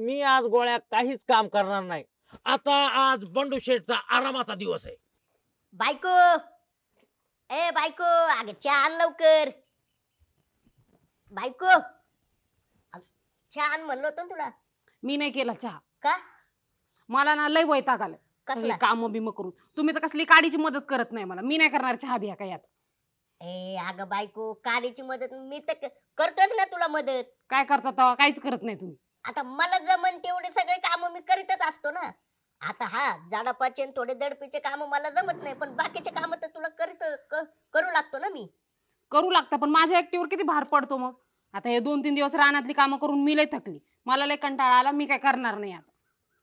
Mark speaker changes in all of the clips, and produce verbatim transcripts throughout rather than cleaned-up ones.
Speaker 1: मी आज गोळ्या काहीच काम करणार नाही. आता आज बंडू शेठचा आरामाचा दिवस आहे.
Speaker 2: बायको, ए बायको, अगं चहा आण लवकर. बायको, अगं, चहा आण म्हणलं होतं ना तुला.
Speaker 3: मी नाही केला चहा.
Speaker 2: का?
Speaker 3: मला ना लय वैताग आलाय सगळी
Speaker 2: कसला?
Speaker 3: काम बिम करून. तुम्ही तर कसली काडीची मदत करत नाही मला. मी नाही करणार चहा बिया काय आता.
Speaker 2: ए अगं बायको, काडीची मदत मी तर क- करतोच ना तुला मदत.
Speaker 3: काय करता तेव्हा काहीच करत नाही तुम्ही.
Speaker 2: आता मला जमन तेवढे सगळे काम मी करीतच असतो ना. आता हा झाडापाचे थोडे दडपीचे काम मला जमत नाही, पण बाकीचे काम तर तुला करीत क- करू लागतो ना मी.
Speaker 3: करू लागता पण माझ्या एकटीवर किती भार पडतो मग. आता हे दोन तीन दिवस रानातली कामं करून मी लय थकली. मला लय कंटाळा आला. मी काय करणार नाही आता.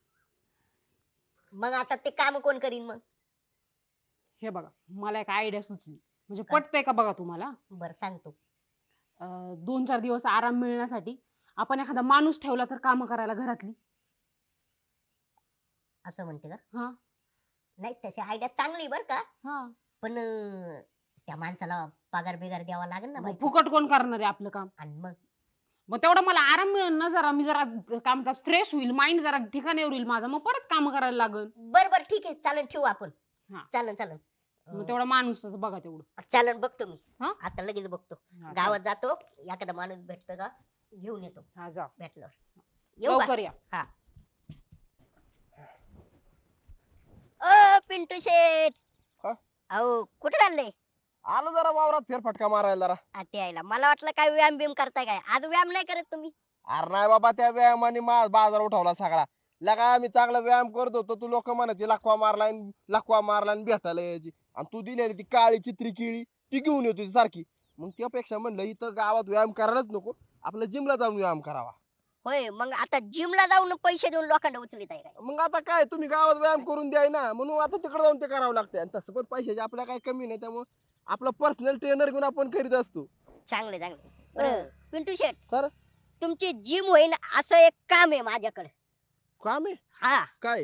Speaker 2: मग आता ते काम कोण करीन मग?
Speaker 3: हे बघा मला एक आयडिया सुचली. म्हणजे
Speaker 2: काय?
Speaker 3: पटतंय का बघा तुम्हाला.
Speaker 2: बर सांगतो.
Speaker 3: अं, दोन चार दिवस आराम मिळण्यासाठी आपण एखादा माणूस ठेवला तर काम करायला घरातली.
Speaker 2: असं म्हणते का?
Speaker 3: हा
Speaker 2: नाही तशी आयडिया चांगली बर का,
Speaker 3: हा
Speaker 2: पण अं, त्या माणसाला पगार बिगार द्यावा लागेल ना
Speaker 3: मग
Speaker 2: बायको.
Speaker 3: फुकट कोण करणार आहे आपलं काम.
Speaker 2: आणि मग
Speaker 3: मग तेवढा मला आराम मिळेल ना जरा. मी जरा काम फ्रेश होईल. माइंड जरा ठिकाणीवर येईल माझा. मग परत काम करायला लागल.
Speaker 2: बर बर ठीक आहे, चालन ठेवू आपण.
Speaker 3: हा.
Speaker 2: चालन चालन.
Speaker 3: मग तेवढा माणूस बघा तेवढं.
Speaker 2: चालन बघतो मी.
Speaker 3: हा?
Speaker 2: आता लगेच बघतो.
Speaker 3: हा,
Speaker 2: गावात जातो, एखादा माणूस भेटतो का घेऊन येतो.
Speaker 3: हा जा
Speaker 2: भेटल्यावर येऊ का?
Speaker 3: लवकर या.
Speaker 2: हा. ओ पिंटू शेठ,
Speaker 4: हा?
Speaker 2: अहो कुठे चालले?
Speaker 4: आलो जरा वावरात फेरफटका मारायला जरा.
Speaker 2: आता यायला मला वाटलं काय व्यायाम बिम करताय काय. आज व्यायाम नाही करत तुम्ही?
Speaker 4: अरे नाही बाबा, त्या व्यायामाने मा बाजार उठवला सगळा. लगा मी चांगला व्यायाम करत होतो, तू लोक म्हणायचे लखवा मारलाय लखवा मारला आणि भेटायला यायची. आणि तू दिलेली ती काळी चित्री किळी ती घेऊन येतो ती सारखी. मग त्यापेक्षा म्हणलं इथं गावात व्यायाम करायलाच नको, आपलं जिमला जाऊन व्यायाम करावा.
Speaker 2: होय, मग आता जिमला जाऊन पैसे देऊन लोखंड उचलीत आहे काय?
Speaker 4: मग आता काय, तुम्ही गावात व्यायाम करून द्याय ना, म्हणून आता तिकडे जाऊन ते करावं लागतंय. आणि तसं पण पैशाची आपल्या काही कमी नाही, त्यामुळे आपला पर्सनल ट्रेनर घेऊन आपण करीत असतो.
Speaker 2: चांगले चांगले. बरं पिंटू शेठ,
Speaker 4: तर
Speaker 2: तुमची जिम होईन असं एक काम आहे माझ्याकडे.
Speaker 4: काम आहे
Speaker 2: हा,
Speaker 4: काय?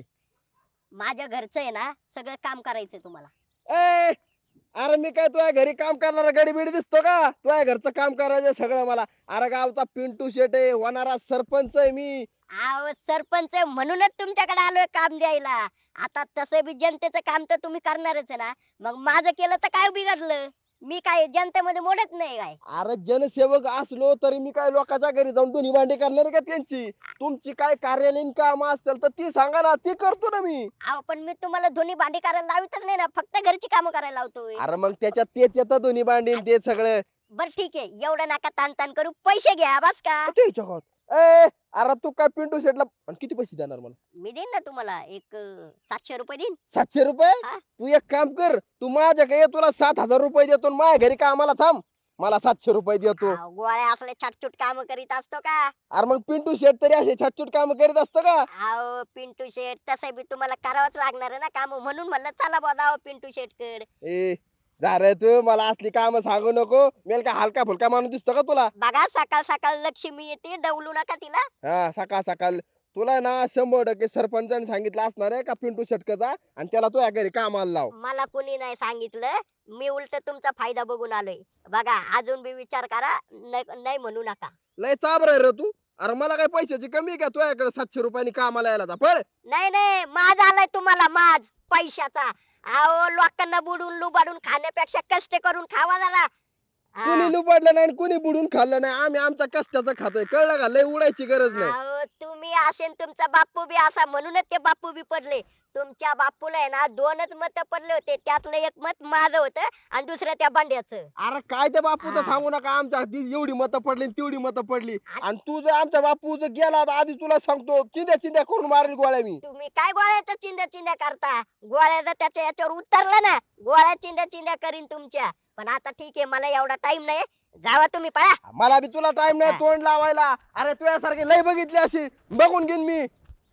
Speaker 2: माझ्या घरचं आहे ना, सगळं काम करायचंय तुम्हाला.
Speaker 4: ए अरे मी काय तुझ्या घरी काम करणारा गडी बिडी दिसतो का? तुझ्या घरचं काम करायचं सगळं मला. अरे गावचा पिंटू शेट आहे, होणारा सरपंच आहे मी.
Speaker 2: अहो सरपंच आहे म्हणूनच तुमच्याकडे आलोय काम द्यायला. आता तसं बी जनतेचं काम तर तुम्ही करणारच आहे ना, मग माझं केलं तर काय बिघडलं? मी काय जनतेमध्ये मोडत नाही काय?
Speaker 4: अरे जनसेवक असलो तरी मी काय लोकांच्या घरी जाऊन दोन्ही भांडी करणार आहे का त्यांची? तुमची काय कार्यालयीन काम असतील तर ती सांगा ना, ती करतो ना मी.
Speaker 2: अहो पण मी तुम्हाला धुनी भांडी करायला लावितच नाही ना, फक्त घरची कामं करायला लावतोय.
Speaker 4: अरे मग त्याच्यात तेच येतं, दोन्ही भांडी आणि ते सगळं.
Speaker 2: बर ठीक आहे, एवढं नका ताण ताण करू, पैसे घ्या बस का.
Speaker 4: ते जगात. ए अरे तू काय पिंटू शेटला आणि किती पैसे देणार मला?
Speaker 2: मी देईन ना तुम्हाला एक अं, सातशे रुपये देईन.
Speaker 4: सातशे रुपये?
Speaker 2: हा?
Speaker 4: तू एक काम कर, तू माझ्याकडे ये, तुला सात हजार रुपये देतो आणि माझ्या घरी कामाला थांब, मला सातशे रुपये देतो.
Speaker 2: अहो, गोळ्या असले छटछुट काम करीत असतो का?
Speaker 4: अरे मग पिंटू शेट तरी असे छटछुट काम करीत असतं का?
Speaker 2: अहो पिंटू शेठ, तसं बी तुम्हाला करावंच लागणार आहे ना काम, म्हणून म्हणलं चला बोलावं पिंटू शेठ कड.
Speaker 4: ए जा रे तू, मला असली काम सांगू नको. मेल का हलका फुलका माणूस दिसतो का तुला?
Speaker 2: बघा सकाळ सकाळ लक्ष्मी येते, डवलू नका तिला.
Speaker 4: हा सकाळ सकाळ तुला ना शंभर टक्के सरपंचाने सांगितलं असणार आहे का पिंटू शेटकचा, आणि त्याला तुझ्या घरी कामाला लाव.
Speaker 2: मला कोणी नाही सांगितलं, मी उलट तुमचा फायदा बघून आलोय. बघा अजून बी विचार करा, नाही नाही म्हणू नका.
Speaker 4: लय चाबर रे तू. अरे मला काय पैशाची कमी आहे का तुझ्याकडे सातशे रुपयानी कामाला यायला? जा पळ.
Speaker 2: नाही नाही, माज आलाय तुम्हाला, माज पैशाचा. अहो लोकांना बुडून लुबाडून खाण्यापेक्षा कष्ट करून खावा जरा. हा.
Speaker 4: कुणी लुबाडलं नाही आणि कुणी बुडून खाल्लं नाही, आम्ही आमच्या कष्टाचं खातोय, कळलं का? लय उडायची गरज नाही.
Speaker 2: अहो तुम्ही असेल तुमचा बापू बी असा, म्हणूनच ते बापू बी पडले. तुमच्या बापूला आहे ना दोनच मत पडले होते, त्यातलं एक मत माझं होतं आणि दुसरं त्या बंड्याचं.
Speaker 4: अरे काय ते बापूचं
Speaker 2: हा.
Speaker 4: सांगू नका, आमच्या हाती एवढी मतं पडली आणि तेवढी मतं पडली. आणि तू जर आमच्या बापू जर गेला तर आधी तुला सांगतो चिंध्या चिंध्या करून मारेल गोळ्या मी.
Speaker 2: तुम्ही काय गोळ्याच्या चिंध्या चिंध्या करता? गोळ्या जर त्याच्या याच्यावर उतरला ना, गोळ्या चिंध्या चिंध्या करीन तुमच्या. पण आता ठीक आहे, मला एवढा टाइम नाही, जावा तुम्ही पळा.
Speaker 4: मला बी तुला टाइम नाही
Speaker 2: हा.
Speaker 4: तोंड लावायला. अरे तुझ्यासारखी लय बघितली अशी, बघून घेईन मी.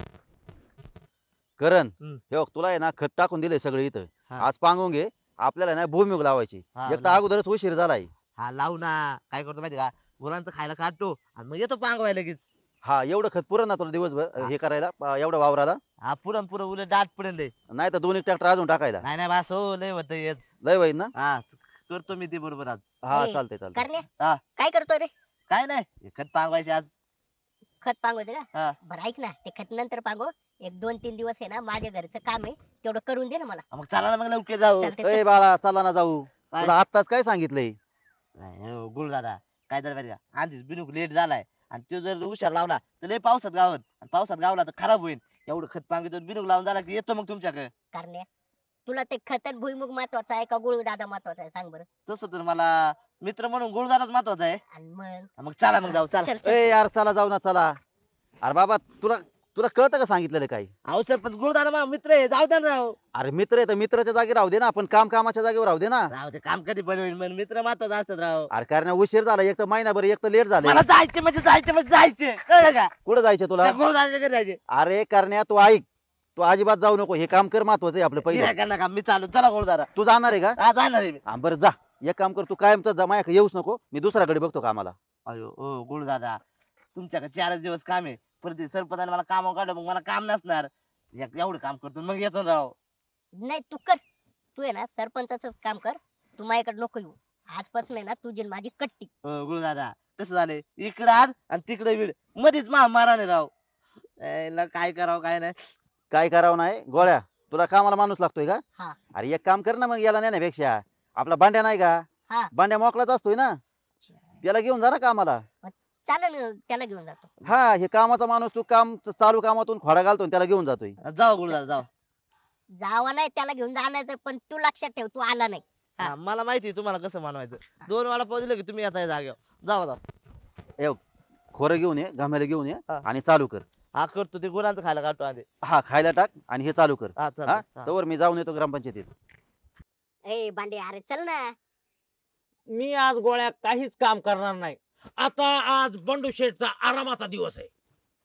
Speaker 5: करण
Speaker 6: हम्म.
Speaker 5: हे बघ, तुला आहे ना खत टाकून दिले सगळे इथं.
Speaker 6: हा.
Speaker 5: आज पांगून घे, आपल्याला ना भूमिग लावायची.
Speaker 6: हा,
Speaker 5: एक तर
Speaker 6: लाव.
Speaker 5: अगोदरच उशीर झालाय.
Speaker 6: हा लावू ना. काय करतो माहिती का, मुलांचं खायला काढतो आणि मग येतो पांगवाय लगेच.
Speaker 5: हा एवढं खत पुरण ना तुला दिवसभर
Speaker 6: हा.
Speaker 5: हे करायला अं, एवढं वावराला?
Speaker 6: हा पुरण पुरण उलट दाट पडेल लय.
Speaker 5: नाही तर दोन एक ट्रॅक्टर अजून टाकायला.
Speaker 6: नाही नाही बस हो, लय होत हेच.
Speaker 5: लय होईल ना?
Speaker 6: हा करतो मी ते बरोबर आज.
Speaker 5: हा
Speaker 2: ए,
Speaker 5: चालतंय चालतंय.
Speaker 2: करणे
Speaker 6: हा.
Speaker 2: काय करतोय रे?
Speaker 6: काय नाही खत पांगवायचे आज.
Speaker 2: खत पांगवते
Speaker 6: हा.
Speaker 2: का बरं ऐक ना ते खत नंतर पांगव एक दोन तीन दिवस आहे ना माझ्या घरचं काम आहे तेवढं करून दे ना मला
Speaker 6: मग चला ना मग लवकर जाऊ
Speaker 2: चालतंय,
Speaker 5: ए
Speaker 2: चल.
Speaker 5: बाळा चला ना जाऊ
Speaker 6: काय?
Speaker 5: तुला आत्ताच काय सांगितलंय
Speaker 6: गुळ दादा काय तर माहिती का आधीच बिनूक लेट झालाय आणि तो जर हुशार लावला तर लय पावसात गावत आणि पावसात गावला तर खराब होईल एवढं खत पांगितो बिनूक लावून झाला की येतो मग तुमच्याकडे
Speaker 2: करण्या तुला ते खत आणि भुईमुग महत्वाचा आहे का गुळ दादा महत्वाचा आहे सांग बरं
Speaker 6: तसं तर मला मित्र म्हणून गुळ दादाच महत्वाचा आहे
Speaker 2: आणि मग
Speaker 6: मग चला मग जाऊ चला
Speaker 2: चल चल
Speaker 5: ए यार चला जाऊ ना चला अरे बाबा तुला तुला कळतं का सांगितलेलं काही
Speaker 6: अहो सरपंच गुळ दादा माझा मित्र आहे जाऊ द्या ना राव
Speaker 5: अरे मित्र आहे तर मित्राच्या जागी राहू दे ना पण काम कामाच्या जागेवर राहू दे ना
Speaker 6: राव ते काम कधी पण होईल पण मित्र महत्वाचा असतात राव
Speaker 5: अरे कारण उशीर झाला एक तर महिनाभर एक तर लेट झाले
Speaker 6: मला जायचे म्हणजे जायचे म्हणजे जायचे कळलं का
Speaker 5: कुठं जायचं तुला
Speaker 6: त्या गुळ दादाच्या घरी जायचे
Speaker 5: अरे करण्या तू ऐक तू अजिबात जाऊ नको हे काम कर महत्वाचं आहे आपलं पहिलं
Speaker 6: गिऱ्हाईक नका मी चालू चला गुळ दादा
Speaker 5: तू जाणार आहे का
Speaker 6: हा जाणार आहे मी
Speaker 5: हा बरं जा एक काम कर तू कायमच जा माझ्याकडे येऊच नको मी दुसऱ्याकडे बघतो कामाला
Speaker 6: अयो ओ गुळ दादा तुमच्याकडे चारच दिवस काम आहे परत ते सरपंचाने मला कामावर काढलं मग मला काम नसणार एक- एवढं काम करतो मग येतो ना राव
Speaker 2: नाही तू कर तू आहे ना सरपंचाच काम कर तू माझ्याकडे नको येऊ आजपासून आहे ना तुझी आणि माझी कट्टी
Speaker 6: हो गुळ दादा कसं झालंय इकडं आड आणि तिकडे वीड मध्येच महामाराने राव याला काय करावं काय नाही
Speaker 5: काय करावं नाही गोळ्या तुला कामाला माणूस लागतोय का
Speaker 2: हा
Speaker 5: अरे एक काम कर ना मग याला नेण्यापेक्षा आपला बांड्या नाही का
Speaker 2: हा
Speaker 5: बांड्या मोकळाच असतोय ना त्याला घेऊन जा ना कामाला
Speaker 2: चालेल ना, त्याला घेऊन जातो
Speaker 5: हा हे कामाचा माणूस तू काम चालू कामातून खोडा घालतो आणि त्याला घेऊन जातोय
Speaker 6: जाऊ गुळ दादा जाऊ
Speaker 2: जावा नाही त्याला घेऊन जाणार पण तू लक्षात ठेव तू आला नाही हा.
Speaker 6: हा, मला माहिती आहे तुम्हाला कसं मानवायचं दोन वेळा पोहोचले की तुम्ही आता जागेवर जाऊ जाऊ
Speaker 5: ए खोरं घेऊन ये घामेला घेऊन ये
Speaker 6: हा.
Speaker 5: आणि चालू कर
Speaker 6: हा करतो ते गुरांचं खायला काढतो आधी
Speaker 5: हा खायला टाक आणि हे चालू कर
Speaker 6: हा
Speaker 5: हा
Speaker 6: चालतंय. हा.
Speaker 5: तवर मी जाऊन येतो ग्रामपंचायतीत
Speaker 2: ए बांडे अरे चल ना
Speaker 1: मी आज गोळ्या काहीच काम करणार नाही आता आज बंडू शेठचा आरामाचा दिवस आहे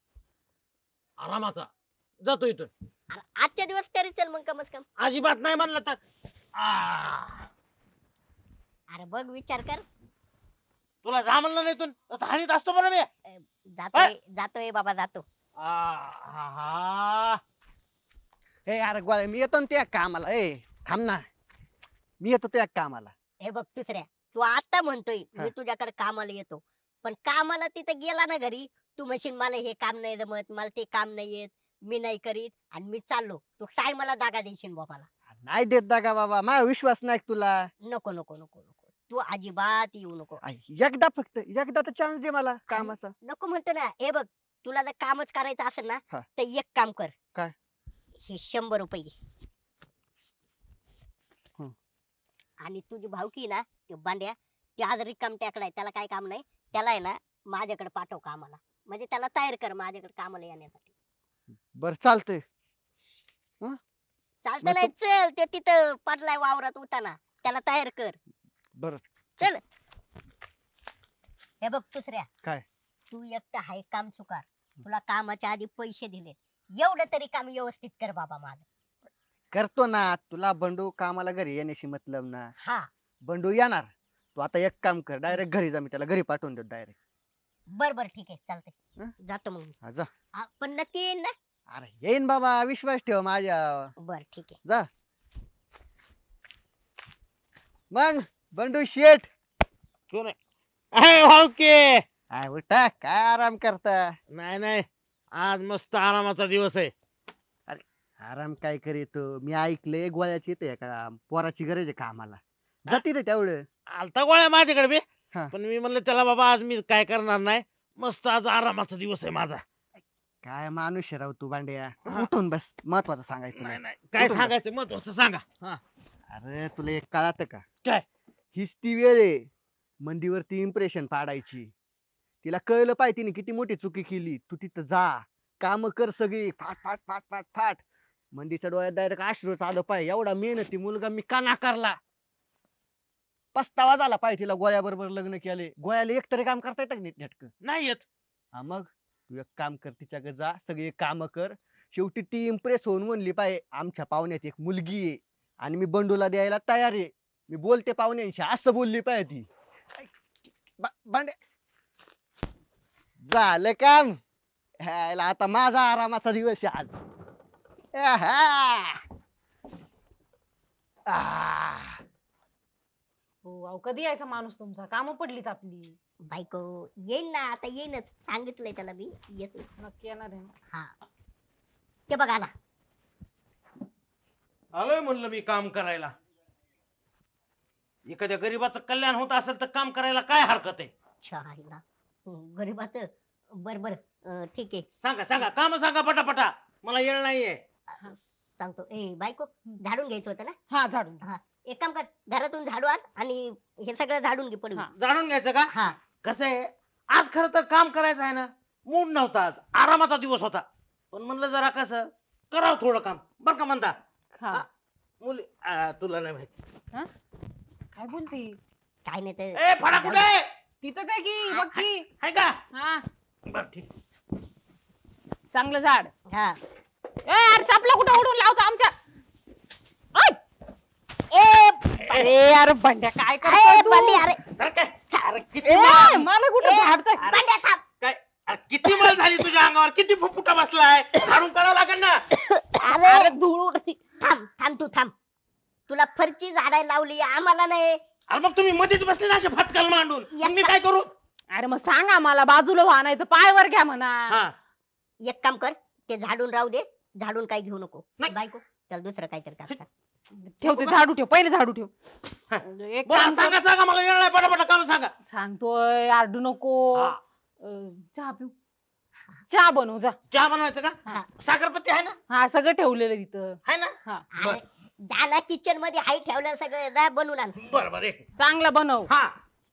Speaker 1: आरामाचा जातो इथून
Speaker 2: अरे आजच्या दिवस तरी चल मग कमस कम
Speaker 1: अजिबात नाही म्हणलं तर आ,
Speaker 2: अरे बघ विचार कर
Speaker 1: तुला जा म्हणलं नाही इथून तर हाणीत असतो बरं मी
Speaker 2: जातोय जातोय बाबा जातो
Speaker 1: आहा.
Speaker 7: ए अरे गोळ्या मी येतो ना त्या कामाला ए थांब ना मी येतो त्या कामाला
Speaker 2: हे बघ दुसऱ्या तू आता म्हणतोय मी
Speaker 7: हा.
Speaker 2: तुझ्याकडे कामाला येतो पण कामाला तिथे गेला ना घरी तू म्हणशील मला हे काम नाही जमत मला ते काम नाही येत मी नाही करीत आणि मी चाललो तू टायमाला दागा देशील बाबाला
Speaker 7: नाही देत दागा बाबा माझा विश्वास नाही का तुला
Speaker 2: नको नको नको नको तू अजिबात येऊ नको
Speaker 7: आई, एकदा फक्त एकदा तर चान्स दे मला कामाचा
Speaker 2: नको म्हणतो ना हे बघ तुला जर कामच करायचं असेल ना
Speaker 7: हा.
Speaker 2: तर एक काम कर
Speaker 7: काय?
Speaker 2: हे शंभर रुपये घे
Speaker 7: हं.
Speaker 2: आणि तुझी भावकी ना ते बांड्या ते आज रिकाम टेकडा आहे त्याला काय काम नाही त्याला आहे ना माझ्याकडे पाठव कामाला म्हणजे त्याला तयार कर माझ्याकडे कामाला येण्यासाठी
Speaker 7: बर चालतंय
Speaker 2: चालतं
Speaker 7: मग
Speaker 2: नाही चल ते तिथं पडलाय वावरात उताना त्याला तयार कर
Speaker 7: बर
Speaker 2: चल हे बघ दुसऱ्या
Speaker 7: काय?
Speaker 2: तू एकटा हाय काम चुकार तुला कामाच्या आधी पैसे दिले एवढं तरी काम व्यवस्थित कर बाबा माझं
Speaker 7: करतो ना तुला बंडू कामाला घरी येण्याशी मतलब ना
Speaker 2: हा
Speaker 7: बंडू येणार तू आता एक काम कर डायरेक्ट घरी जा मी त्याला घरी पाठवून देतो डायरेक्ट
Speaker 2: बर बर ठीक आहे चालतंय
Speaker 7: हं?
Speaker 2: जातो मग मी.
Speaker 7: जा
Speaker 2: हा, पण नक्की येईन ना
Speaker 7: अरे येईन बाबा विश्वास ठेव माझ्या
Speaker 2: बर ठीक आहे
Speaker 7: जा मग बंडू शेठ
Speaker 1: अहे, ओके
Speaker 7: काय उठा काय आराम करता
Speaker 1: नाही नाही आज मस्त आरामाचा दिवस आहे
Speaker 7: आराम काय करीतो मी ऐकलंय गोळ्याची येते का पोराची गरज आहे कामाला जाती रे तेवढं
Speaker 1: आलता गोळ्या माझ्याकडे बी
Speaker 7: हा.
Speaker 1: पण मी म्हणलं त्याला बाबा आज मी काय करणार नाही मस्त आज आरामाचा दिवस आहे माझा
Speaker 7: काय माणूस आहे राव तू बांड्या
Speaker 1: हा.
Speaker 7: उठून बस महत्वाचं सांगायचं
Speaker 1: नाही
Speaker 7: तुला
Speaker 1: नाही काय
Speaker 7: कुठून
Speaker 1: सांगायचं महत्वाचं सांगा हा.
Speaker 7: अरे तुला एक कळत का
Speaker 1: काय?
Speaker 7: हीच ती वेळ आहे मंदीवरती इम्प्रेशन पाडायची तिला कळलं पाहिजे तिने किती मोठी चुकी केली तू तिथं जा काम कर सगळी फाट फाट फाट फाट फाट मंदीच्या डोळ्यात डायरेक्ट अश्रू आलं पाहिजे एवढा मेहनती मुलगा मी का नाकारला पस्तावा झाला पाहिजे तिला गोळ्या बरोबर लग्न केले गोळ्याला एकतरी काम करता येतं का नीट नेटकं
Speaker 1: नाही येत
Speaker 7: हा मग तू एक काम कर तिच्याकडे जा सगळी काम कर शेवटी ती इम्प्रेस होऊन म्हणली पाहिजे आमच्या पाहुण्यात एक मुलगी आहे आणि मी बंडूला द्यायला तयार आहे मी बोलते पाहुण्यांशी असं बोलली पाहिजे ती बा- बांडे झालं काम ह्याला आता माझा आरामाचा दिवस आहे आज आहा. आह.
Speaker 3: हो अहो कधी यायचा माणूस तुमचा कामं पडलीत आपली
Speaker 2: बायको येईन ना, आता येईनच, सांगितलंय त्याला मी येतो.
Speaker 3: नक्की येणार आहे ना?
Speaker 2: हा ते बघ आला.
Speaker 1: आलोय म्हणलं मी काम करायला. एखाद्या गरीबाचं कल्याण होत असेल तर काम करायला काय हरकत आहे?
Speaker 2: छायला गरीबाच. बर बर अं, ठीक आहे.
Speaker 1: सांगा सांगा काम सांगा पटापटा, मला येळ नाहीये.
Speaker 2: अं, सांगतो. ए बायको झाडून घ्यायचं होतं ना.
Speaker 3: हा झाडून
Speaker 2: हा एक काम कर, घरातून झाडू आण आणि हे सगळं झाडून घे पडून.
Speaker 3: हा.
Speaker 1: जाणून घ्यायचं का?
Speaker 2: हा
Speaker 1: कसं आहे, आज खरं तर काम करायचं आहे ना, मूड नव्हता, आज आरामाचा दिवस होता. पण म्हणलं जरा कसं करावं थोडं काम, बर का म्हणता.
Speaker 3: हा
Speaker 1: हा. मुली आ, तुला नाही माहिती.
Speaker 3: हा? काय बोलते
Speaker 2: काय नाही ते.
Speaker 1: ए फडा कुठे आहे?
Speaker 3: तिथंच आहे की बघ की.
Speaker 1: आहे का?
Speaker 3: हा
Speaker 1: बर ठीक.
Speaker 3: चांगलं झाड.
Speaker 2: हा
Speaker 3: ए अरे चापला कुठं उडून लावतो आमच्या. ओय!
Speaker 2: ए
Speaker 3: अरे यार बंड्या काय
Speaker 2: अरे
Speaker 3: करतोय तू?
Speaker 2: बंडी, अरे
Speaker 1: सर काय? अरे किती
Speaker 3: ए,
Speaker 1: माल-
Speaker 3: मला कुठं
Speaker 2: ए,
Speaker 3: झाडतोय?
Speaker 2: बंड्या थांब.
Speaker 1: काय अरे किती मळ झाली तुझ्या अंगावर, किती फुफुटा बसलाय, झाडून काढावं लागेल ना.
Speaker 3: अरे
Speaker 2: अरे
Speaker 3: धूळ उडती.
Speaker 2: थांब थांब तू थांब. तुला फरची झाडायला लावली, आम्हाला नाही.
Speaker 1: अरे मग तुम्ही मध्येच बसले ना असे फटकल मांडून, मग मी काय करू?
Speaker 3: अरे मग सांगा मला बाजूला व्हा नाही तर पायवर घ्या म्हणा.
Speaker 1: हा
Speaker 2: एक काम कर, ते झाडून राहू दे, झाडून काय घेऊ नको.
Speaker 1: नाही.
Speaker 2: बायको त्याला दुसरं काहीतरी कर सांग.
Speaker 3: ठेव ते झाडू ठेव, पहिले झाडू ठेव.
Speaker 1: हा.
Speaker 3: एक
Speaker 1: बरं
Speaker 3: काम कर.
Speaker 1: सांगा सांगा, मला वेळ नाही, पटापटा काम सांगा.
Speaker 3: सांगतोय आरडू नको.
Speaker 1: हा.
Speaker 3: अं, चहा पिऊ. चहा बनव जा.
Speaker 1: चहा बनवायचं का?
Speaker 2: हा.
Speaker 1: साखरपत्ती आहे ना?
Speaker 3: हा सगळं ठेवलेलं तिथं.
Speaker 1: आहे ना?
Speaker 3: हा
Speaker 2: अरे, जा ना किचन मध्ये हाय ठेवलं सगळं, जा बनवून आण.
Speaker 1: बरं बरं एक.
Speaker 3: चांगला बनव.
Speaker 1: हा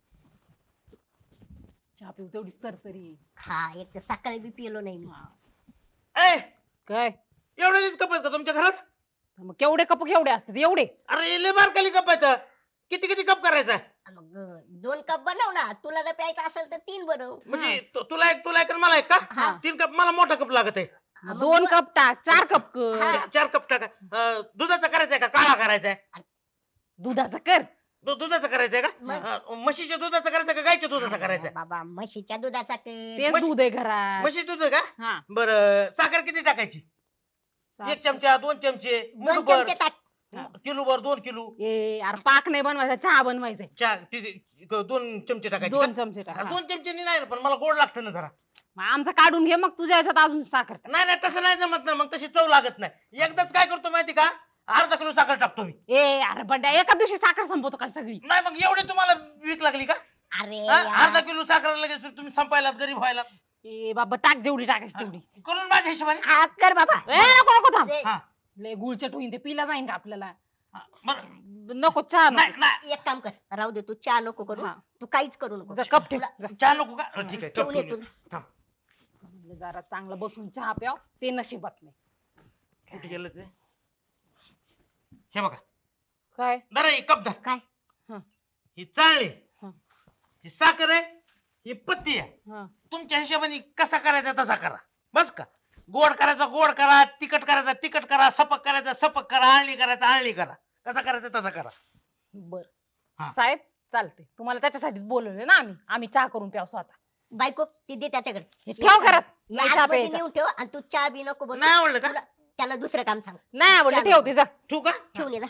Speaker 3: चहा पिऊ तेवढीच तर तरी.
Speaker 2: हा एक तर सकाळी बी पिलो नाही मी.
Speaker 1: ए
Speaker 3: काय
Speaker 1: एवढेच कप आहेत का तुमच्या घरात?
Speaker 3: मग केवढे कप केवढे असतात एवढे?
Speaker 1: अरे लय बारकाली कप आहेत. किती किती कप करायचा?
Speaker 2: मग अं, दोन कप बनव ना, तुला जर प्यायचं असेल तर तीन बनव.
Speaker 1: म्हणजे तु- तुला एक तुला एक आणि मला एक का?
Speaker 2: हा.
Speaker 1: तीन कप, मला मोठा कप लागत आहे.
Speaker 2: हा, मग
Speaker 3: दोन कप टाक, चार कप कर.
Speaker 2: हा.
Speaker 1: चा- चार कप टाका. अं, दुधाचा करायचा का काळा करायचा आहे?
Speaker 3: दुधाचं कर.
Speaker 1: दु- दुधाचा करायचा का?
Speaker 2: मग?
Speaker 1: अं, म्हशीच्या दुधाचा करायचा का गायच्या दुधाचा करायचा?
Speaker 2: बाबा म्हशीच्या दुधाचा कर.
Speaker 3: तेच
Speaker 1: म्हशी-
Speaker 3: दूध आहे घरात.
Speaker 1: म्हशी दूध आहे का?
Speaker 3: हा
Speaker 1: बरं साखर किती टाकायची? एक चमचा, दोन चमचे,
Speaker 2: दोन
Speaker 1: मुठभर,
Speaker 2: चमचे टाक.
Speaker 1: किलो भर, दोन किलो
Speaker 3: ए यार पाक नाही बनवायचा, चहा बनवायचा.
Speaker 1: चहा ती- दोन चमचे टाकायचे
Speaker 3: दोन
Speaker 1: का?
Speaker 3: चमचे टाक.
Speaker 1: हा,
Speaker 3: हा.
Speaker 1: दोन चमचे नाही ना, पण मला गोड लागतं ना जरा.
Speaker 3: मग आमचा काढून घे, मग तुझ्या याच्यात अजून साखर टाक.
Speaker 1: नाही नाही तसं नाही जमत ना, मग तशी चव लागत नाही. एकदाच काय करतो माहिती का, अर्धा किलो साखर टाकतो मी.
Speaker 3: ए अरे बंड्या एका दिवशी साखर संपवतो का सगळी?
Speaker 1: नाही मग एवढे तुम्हाला वीक लागली का?
Speaker 2: अरे
Speaker 1: हा?
Speaker 2: यार.
Speaker 1: अर्धा किलो साखर लगेच तुम्ही संपायलात, गरीब व्हायला.
Speaker 3: ए बाबा टाक जेवढी टाकायची तेवढी.
Speaker 1: करून माझ्या हिशोबाने.
Speaker 2: हा कर बाबा.
Speaker 3: ए नको नको थांब.
Speaker 2: ए,
Speaker 1: हा
Speaker 3: लय गुळचट होईन ते, पिला जाईन का आपल्याला?
Speaker 1: हा, बरं.
Speaker 3: नको चहा
Speaker 1: नाही
Speaker 3: नको.
Speaker 1: नाही
Speaker 2: एक काम कर, राहू दे, तू चहा नको करू.
Speaker 3: हा.
Speaker 2: तू काहीच करू नको.
Speaker 3: जा, कप ठेव.
Speaker 2: तुला-
Speaker 3: जा.
Speaker 1: चहा नको का? अं, ठीक आहे कप
Speaker 2: ठेवून ये
Speaker 1: ठेवून
Speaker 2: तू.
Speaker 1: ये. थांब.
Speaker 3: म्हणलं जरा चांगलं बसून चहा प्याव, ते नशिबात नाही.
Speaker 1: कुठे गेलं ते? हे बघा,
Speaker 3: काय?
Speaker 1: जरा ही कप धर.
Speaker 2: काय?
Speaker 3: हा.
Speaker 1: ही चाळणी,
Speaker 3: हा.
Speaker 1: ही साखर आहे, ही पत्ती आहे.
Speaker 3: हा.
Speaker 1: तुमच्या हिशोबाने कसा करायचा तसा करा, बस का? गोड करायचा गोड करा, तिखट करायचा तिखट करा, सपक करायचा सपक करा, आळणी करायचा आळणी करा. कसा करायचा तसा करा.
Speaker 3: बर
Speaker 1: हा.
Speaker 3: साहेब चालते, तुम्हाला त्याच्यासाठीच बोलवले ना आम्ही. आम्ही चहा करून प्याव स्वतः.
Speaker 2: बायको ती दे त्याच्याकडे.
Speaker 3: हे ठेव घरात.
Speaker 2: या
Speaker 3: नाही चहा
Speaker 2: आतमध्ये
Speaker 3: प्यायचा.
Speaker 2: नेऊन ठेव आणि तू चहा बी नको बनवू.
Speaker 1: नाही आवडलं का?
Speaker 2: तुला- त्याला दुसरं काम सांग.
Speaker 3: नाही आवडलं
Speaker 2: चहा
Speaker 3: ठेवते जा.
Speaker 1: ठेवू का?
Speaker 2: ठेवून ये जा.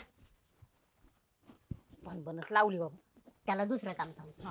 Speaker 3: बनबनच लावली बाबा.
Speaker 2: त्याला दुसरं काम सांग.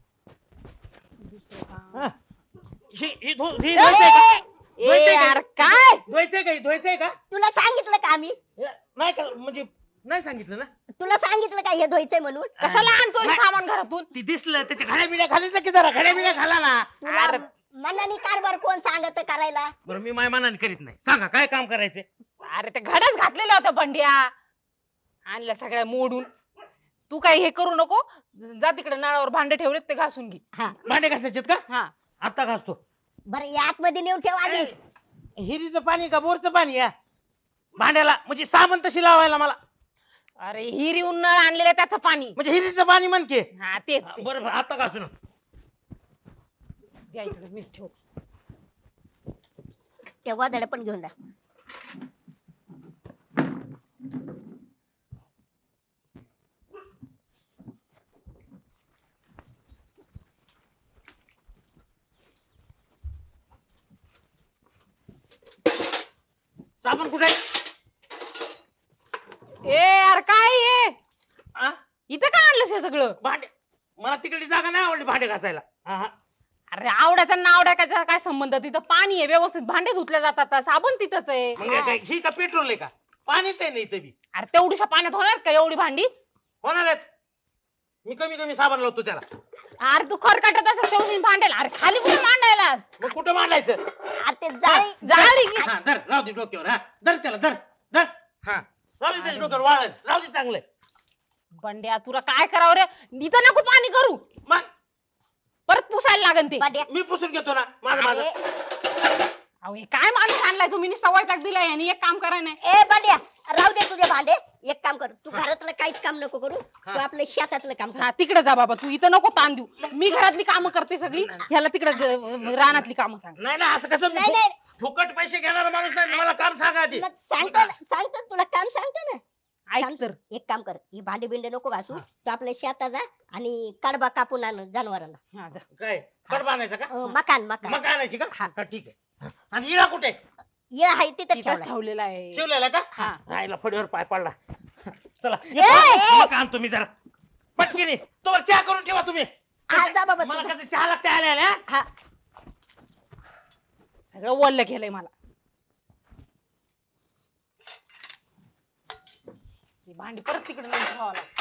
Speaker 3: दुसरं काम.
Speaker 1: हा. ही ही धु- ही धुवायचंय का?
Speaker 3: ए
Speaker 1: धुवायचंय का?
Speaker 3: यार काय?
Speaker 1: धुवायचंय का? ही धुवायचंय का?
Speaker 2: तुला सांगितलं का आम्ही?
Speaker 1: हे, नाही का म्हणजे नाही सांगितलं ना.
Speaker 2: तुला सांगितलं का हे धुवायचंय म्हणून?
Speaker 3: कशाला आणतोय
Speaker 1: नाही.
Speaker 3: सामान घरातून?
Speaker 1: ती दिसलं त्याच्या घड्या बिड्या घालायचं की जरा, घड्या बिड्या घाला ना.
Speaker 2: तुला
Speaker 3: अरे.
Speaker 2: मनाने कारभार कोण सांगत करायला?
Speaker 1: बरं मी माय मनाने करीत नाही. सांगा काय काम करायचंय?
Speaker 3: अरे ते घड्याच घातलेल्या होत्या बंड्या, आणल्या सगळ्या मोडून. तू काही हे करू नको, जा तिकडे नळावर भांडे ठेवलेत ते घासून घे.
Speaker 2: हा
Speaker 1: भांडे घासायचेत का?
Speaker 3: हा
Speaker 1: आता घासतो.
Speaker 2: बरं या आतमध्ये नेऊन ठेव आधी.
Speaker 1: हिरीचं पाणी का बोरचं पाणी या भांड्याला, म्हणजे साबण तशी लावायला मला.
Speaker 3: अरे हिरीहून नळ आणलेलं त्याचं पाणी.
Speaker 1: म्हणजे हिरीचं पाणी म्हणके.
Speaker 3: हा तेच ते.
Speaker 1: बरं बरं, आता घासू ना.
Speaker 3: द्या इकडे मीच ठेव.
Speaker 2: ते गोधड्या पण घेऊन जा.
Speaker 1: साबण कुठे आहे?
Speaker 3: ए यार काय हे?
Speaker 1: आ?
Speaker 3: इथं काय आणलंस हे सगळं?
Speaker 1: भांडे, मला तिकडे जागा नाही आवडली भांडे घासायला. हा, हा.
Speaker 3: अरे आवड्याचा नावड्या काय काय संबंध तिथं पाणी आहे व्यवस्थित भांडे धुतले जातात साबण तिथंच आहे
Speaker 1: मग काय ही का पेट्रोल आहे का पाणीच आहे नाही बी
Speaker 3: अरे तेवढीशा पाण्यात होणार का एवढी भांडी
Speaker 1: होणार आहेत मी कमी कमी साबण लावतो त्याला
Speaker 3: अरे तू खरकाटत असं शेवटी भांडेल अरे खाली कुठे मांडायला
Speaker 1: मग कुठं मांडायचं
Speaker 2: अरे ते जाळी
Speaker 3: जाळी की-
Speaker 1: हा धर राहू दे डोक्यावर हा धर त्याला धर धर हा राहू दे त्याच्या डोक्यावर वाळत राहू दे चांगलं
Speaker 3: बंड्या तुला काय करावं रे इथं नको पाणी करू
Speaker 1: मग
Speaker 3: परत पुसायला लागन ते
Speaker 2: भांड्या
Speaker 1: मी पुसून घेतो ना माझं माझं
Speaker 2: अरे
Speaker 3: अहो हे काय माणूस आणलाय तुम्ही सवय टाक दिलाय आणि एक काम करा नाही
Speaker 2: ए भांड्या राहू दे तुझे भांडे एक काम कर तू घरातलं काहीच काम नको करू तू आपलं शेतातलं काम कर
Speaker 3: हा तिकडे जा बाबा तू इथं नको ताण देऊ मी घरातली कामं करते सगळी ह्याला तिकडे रानातली कामं सांग
Speaker 1: नाही ना असं कसं
Speaker 2: नाही, नाही.
Speaker 1: फु- फुकट पैसे घेणारा माणूस नाही मला काम सांगा आधी
Speaker 2: मग सांगतो ना सांगतो ना, तुला काम सांगतो ना
Speaker 3: ऐक
Speaker 2: काम-
Speaker 3: तर
Speaker 2: एक काम कर ही भांडी बिंडे नको घासू तू आपल्या शेतात जा आणि कडबा कापून आण जनावरांना
Speaker 3: हा, जा.
Speaker 1: काय कड बांधायचं का
Speaker 2: अं, मकान मकान
Speaker 1: मग आणायची का
Speaker 2: हा.
Speaker 1: हा ठीक आहे आणि इळा कुठे
Speaker 2: ये आहे तिथं
Speaker 3: तिथंच
Speaker 2: ठेवलाय.
Speaker 3: ठेवलेला आहे
Speaker 1: ठेवलेला का
Speaker 3: हा.
Speaker 1: आईला फडीवर पाय पडला चला
Speaker 2: ए, ए.
Speaker 1: मग आणतो मी जरा पटकीने तोवर चहा करून ठेवा तुम्ही
Speaker 2: हा, जा बाबा
Speaker 1: मला
Speaker 2: तू.
Speaker 1: कसं चहा लागते आल्या आल्या
Speaker 2: हा
Speaker 3: सगळं वल्ल केलंय मला ही भांडी परत तिकडे नेऊन ठेवावं लागतं.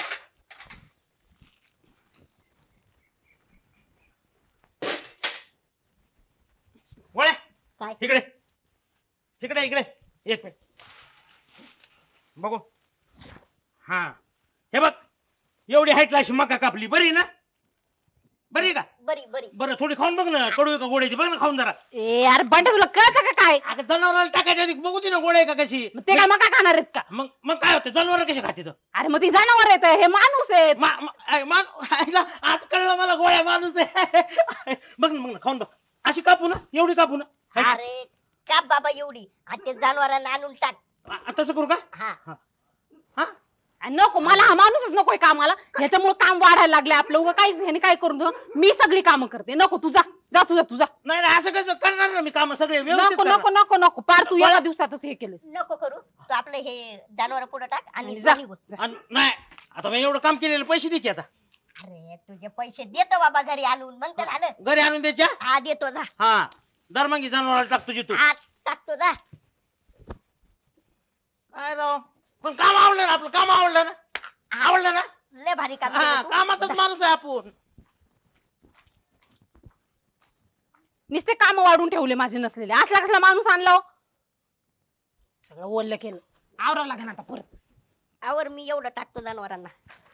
Speaker 1: गोळ्या
Speaker 2: काय
Speaker 1: इकडे इकडे इकडे एक मिनिट बघू हा हे बघ एवढी हाईटला अशी मका कापली बरी ना बरी आहे का
Speaker 2: बरी बरी
Speaker 1: बरं थोडी खाऊन बघ ना कडू आहे का गोड आहे ती बघ ना खाऊन जरा
Speaker 3: ए यार बंड्या तुला कळतं का काय
Speaker 1: अगं जनावराला टाकायच्या आधी बघू दे ना गोड आहे का कशी
Speaker 3: मग ते काय मका खाणार आहेत का
Speaker 1: मग मग काय होतं जनावर कशी खाते तर
Speaker 3: अरे मग ती जनावर आहेत हे माणूस आहेत
Speaker 1: मा- मा- आय- मा- आईला आज कळलं मला गोळ्या माणूस आहे बघ ना मग ना खाऊन बघ अशी कापू ना एवढी कापू ना हाय का?
Speaker 2: अरे का बाबा एवढी आणि ते जनावरांना आणून टाक
Speaker 1: आ- तसं करू का
Speaker 2: हा
Speaker 1: हा
Speaker 3: आणि नको मला हा माणूसच नकोय कामाला ह्याच्यामुळे काम वाढायला लागले आपलं उगा काहीच ह्याने काय करून देऊ? मी सगळी कामं करते नको तुझा जा तुझा तुझा
Speaker 1: नाही नाही असं कसं करणार ना मी काम सगळे व्यवस्थित
Speaker 3: नको
Speaker 1: करणार.
Speaker 3: नको नको नको पार तू एका दिवसातच हे केलंस
Speaker 2: नको करू तू आपलं हे जनावर पुढे टाक आणि
Speaker 3: आणि जा.
Speaker 2: निघून.
Speaker 1: आणि नाही आता मी एवढं काम केलेलं पैसे दे की आता
Speaker 2: अरे तुझे पैसे देतो बाबा घरी आणून मग तर आलं
Speaker 1: घरी आणून द्यायच्या
Speaker 2: हा देतो जा
Speaker 1: हा दरमंगी जनावराला टाक तुझी तू
Speaker 2: हा टाकतो जा
Speaker 1: काय राव पण काम आवडलं ना आपलं काम आवडलं ना आवडलं ना
Speaker 2: लय भारी काम
Speaker 1: हा
Speaker 2: केलं तू.
Speaker 1: कामातच
Speaker 2: जा.
Speaker 1: माणूस आहे आपण
Speaker 3: नुसते काम वाढून ठेवले माझे नसलेले असला कसला माणूस आणला हो? सगळं ओल्ल केलं आवरावं लागेल आता परत
Speaker 2: आवर मी एवढं टाकतो जनावरांना